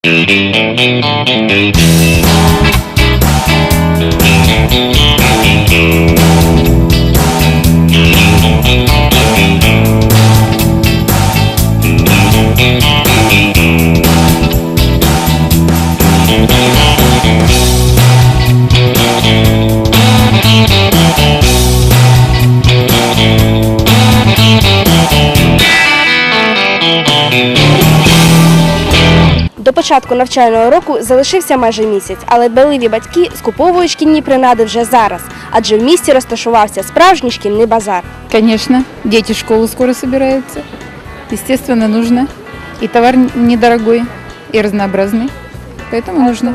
До початку навчального року залишився майже місяць, але дбайливі батьки скуповують шкільні принади вже зараз, адже в місті розташувався справжній шкільний базар. Конечно, дети в школу скоро собираются. Естественно, нужно. И товар недорогой, и разнообразный. Поэтому нужно.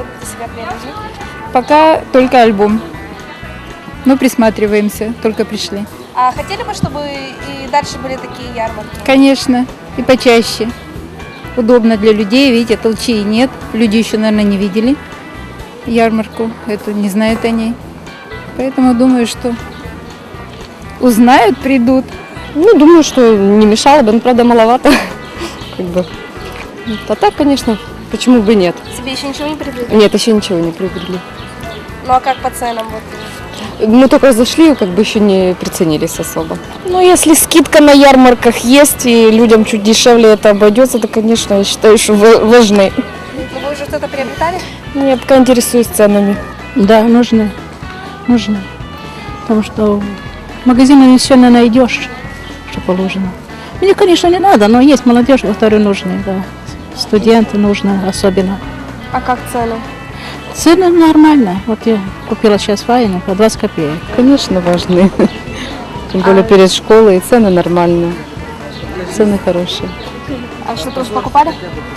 Пока только альбом. Но присматриваемся, только пришли. А хотели бы, чтобы и дальше были такие ярмарки? Конечно, и почаще. Удобно для людей, видите, толчей нет. Люди еще, наверное, не видели ярмарку, эту не знают о ней. Поэтому думаю, что узнают, придут. Ну, думаю, что не мешало бы, но, правда, маловато. Как бы. А так, конечно, почему бы нет? Себе еще ничего не приобрели? Нет, еще ничего не приобрели. Ну а как по ценам? Мы только зашли, как бы еще не приценились особо. Ну, если скидка на ярмарках есть и людям чуть дешевле это обойдется, то, конечно, я считаю, что важны. Вы уже что-то приобретали? Я пока интересуюсь ценами. Да, нужно. Нужно. Потому что в магазине не все не найдешь, что положено. Мне, конечно, не надо, но есть молодежь, которые нужны, да. Студенты нужны особенно. А как цены? Цены нормально. Вот я купила сейчас валенок по 20 копеек. Конечно, важны. Тем более перед школой, и цены нормальные. Цены хорошие. А что-то уже покупали?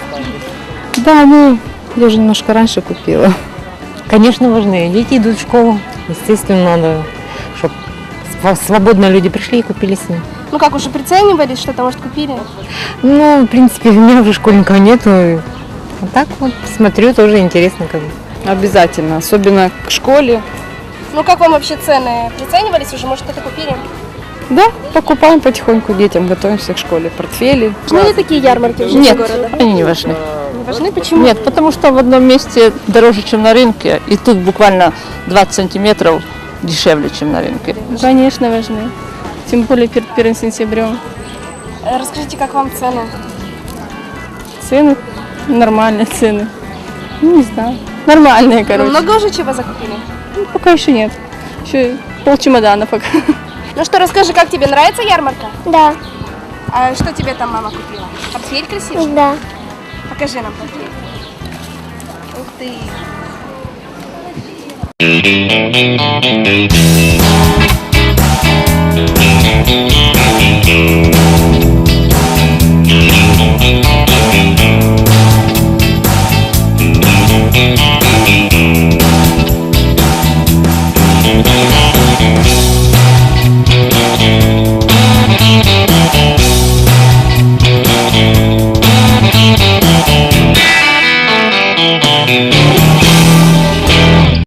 Да, ну, я уже немножко раньше купила. Конечно, важны. Дети идут в школу. Естественно, надо, чтобы свободно люди пришли и купили с ним. Ну как, уже приценивались, что-то, может, купили? Ну, в принципе, у меня уже школьников нету. А так вот смотрю, тоже интересно как бы. Обязательно, особенно к школе. Ну как вам вообще цены? Приценивались уже, может, что-то купили? Да, покупаем потихоньку детям, готовимся к школе. Портфели. Важны ли такие ярмарки в жизни Нет, города? они не важны. Не важны? Почему? Нет, потому что в одном месте дороже, чем на рынке, и тут буквально 20 сантиметров дешевле, чем на рынке. Конечно, важны. Тем более перед 1 сентябрем. Расскажите, как вам цены? Цены? Нормальные цены. Ну, не знаю. Нормальные, Ну, короче. много уже чего закупили? Ну, пока еще нет. Еще полчемодана пока. Ну что, расскажи, как тебе нравится ярмарка? Да, А что тебе там мама купила? Портфель красивый? да. Покажи нам портфель. Ух ты! Thank you.